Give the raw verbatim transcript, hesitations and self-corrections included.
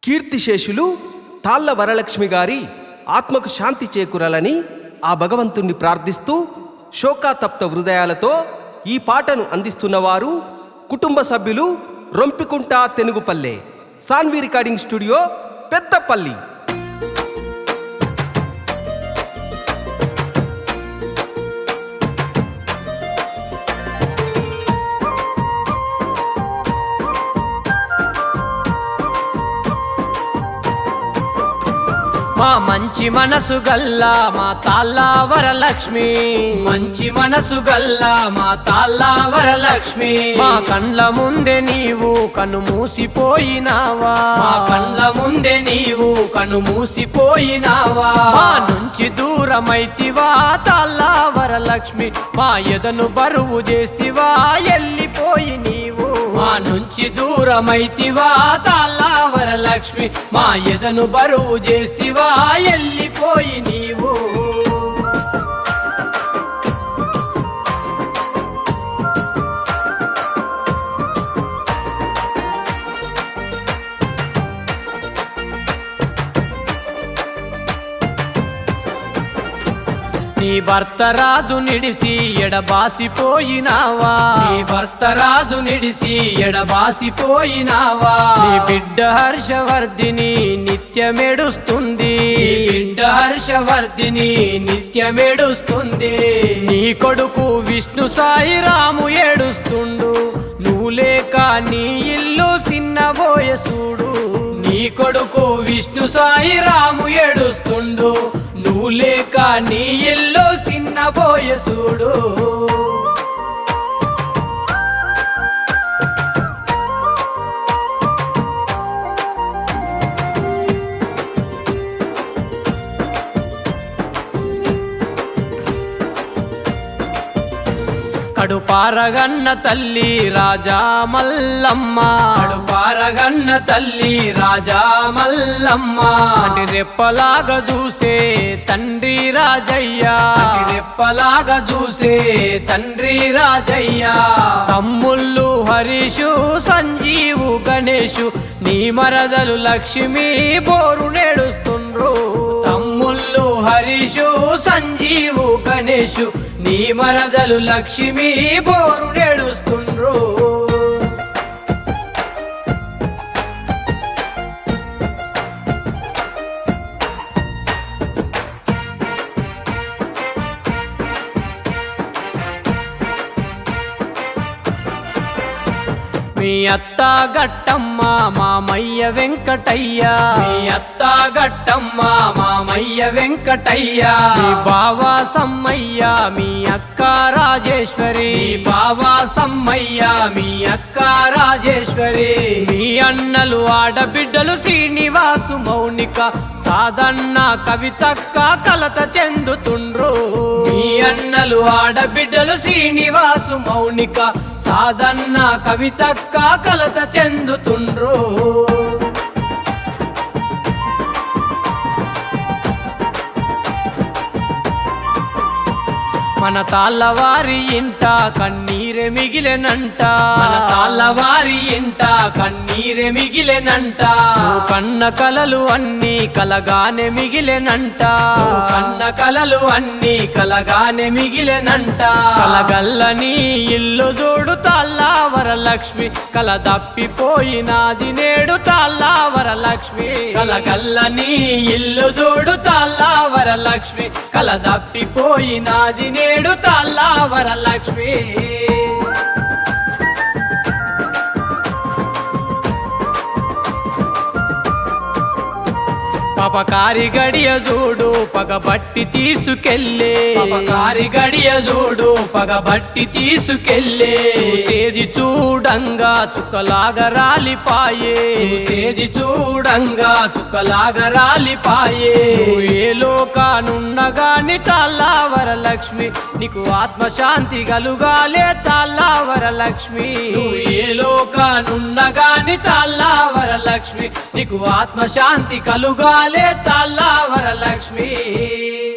కీర్తిశేషులు తాళ్ళ వరలక్ష్మి గారి ఆత్మకు శాంతి చేకూరాలని ఆ భగవంతుణ్ణి ప్రార్థిస్తూ శోకాతప్త హృదయాలతో ఈ పాటను అందిస్తున్నవారు కుటుంబ సభ్యులు రొంపికుంట తెనుగుపల్లె, సాన్వి రికార్డింగ్ స్టూడియో, పెద్దపల్లి. మా మంచి మనసు గల్లా మా తాళ్ళ వరలక్ష్మి, మంచి మనసు గల్లా మా తాళ్ళ వరలక్ష్మి. మా కండ్ల ముందే నీవు కను మూసిపోయినావా, మా కండ్ల ముందే నీవు కను మూసిపోయినావా. మా నుంచి దూరమైతివా తాళ్ళ వరలక్ష్మి, మా ఎదను బరువు చేస్తివా ఎల్లిపోయి నీవు. మా నుంచి దూరమైతివా తాళ్ళ వరలక్ష్మి, మా ఎదను బరువు చేస్తివా ఎల్లిపోయి నీవు. నీ భర్త రాజు నిడిసి ఎడబాసిపోయినావా, నీ భర్త రాజు నిడిసి ఎడబాసిపోయినావా. నీ బిడ్డ హర్షవర్ధిని నిత్యమెడుస్తుంది, బిడ్డ హర్షవర్ధిని నిత్యమెడుస్తుంది. నీ కొడుకు విష్ణు సాయి రాము ఏడుస్తుండు, నువ్వు లేక నీ ఇల్లు చిన్నబోయే చూడు. నీ కొడుకు విష్ణు సాయి రాము ఏడుస్తుండు, నువ్వు లేక నీ ఇల్లు చిన్నబోయే చూడు. కడుపారగన్న తల్లి రాజా మల్లమ్మ, కడుపారగన్న తల్లి రాజా మల్లమ్మ. అంటే రెప్పలాగా చూసే తండ్రి రాజయ్య, రెప్పలాగా చూసే తండ్రి రాజయ్య. తమ్ముళ్ళు హరీషు సంజీవు గణేషు నీ మరదలు లక్ష్మి బోరు నేడుస్తుండ్రు. తమ్ముళ్ళు హరీషు సంజీవు గణేషు నీ మరదలు లక్ష్మి బోరు నేడుస్తుండ్రు. మీ అత్త గట్టమ్మ మామయ్య వెంకటయ్య, మీ అత్త గట్టమ్మ మామయ్య వెంకటయ్య. మీ బావా సమ్మయ్య మీ అక్క రాజేశ్వరి, బావా సమ్మయ్య మీ అక్క రాజేశ్వరి. మీ అన్నలు ఆడబిడ్డలు శ్రీనివాసు మౌనిక సాధన్న కవితక్క కలత చెందుతుండ్రు. మీ అన్నలు ఆడబిడ్డలు శ్రీనివాసు మౌనిక సాధన్న కవితక్క కలత చెందుతుండ్రు. మన తాళ్ళవారి ఇంట కన్నీరె మిగిలెనంట, మన తాళ్ళవారి ఇంట కన్నీరె మిగిలెనంట. కన్న కలలు అన్ని కలగానే మిగిలెనంట, కన్న కలలు అన్ని కలగానే మిగిలెనంట. కలగల్లని ఇల్లు చూడు తాళ్ళ వరలక్ష్మి, కల తప్పిపోయినాది నేడు తాళ్ళ వరలక్ష్మి. కలగల్లని ఇల్లు చూడు తాళ్ళ వరలక్ష్మి, కల తప్పిపోయినాది నేడు తాళ్ళ వరలక్ష్మి. పపకారి గడియ చూడు పగబట్టి తీసుకెళ్ళే, పపకారి గడియ చూడు పగబట్టి తీసుకెళ్ళే. సేది చూడంగా చుక్కలాగా రాలిపాయే, సేది చూడంగా చుక్కలాగా రాలిపాయే. ఏ లోకానున్నగాని తాళ్ళ వరలక్ష్మి, నీకు ఆత్మశాంతి కలుగాలే తాళ్ళ వరలక్ష్మి. ఏ లోకానున్నగాని తాళ్ళ వరలక్ష్మి, నీకు ఆత్మశాంతి కలుగాలే తాళ్ళ వరలక్ష్మి.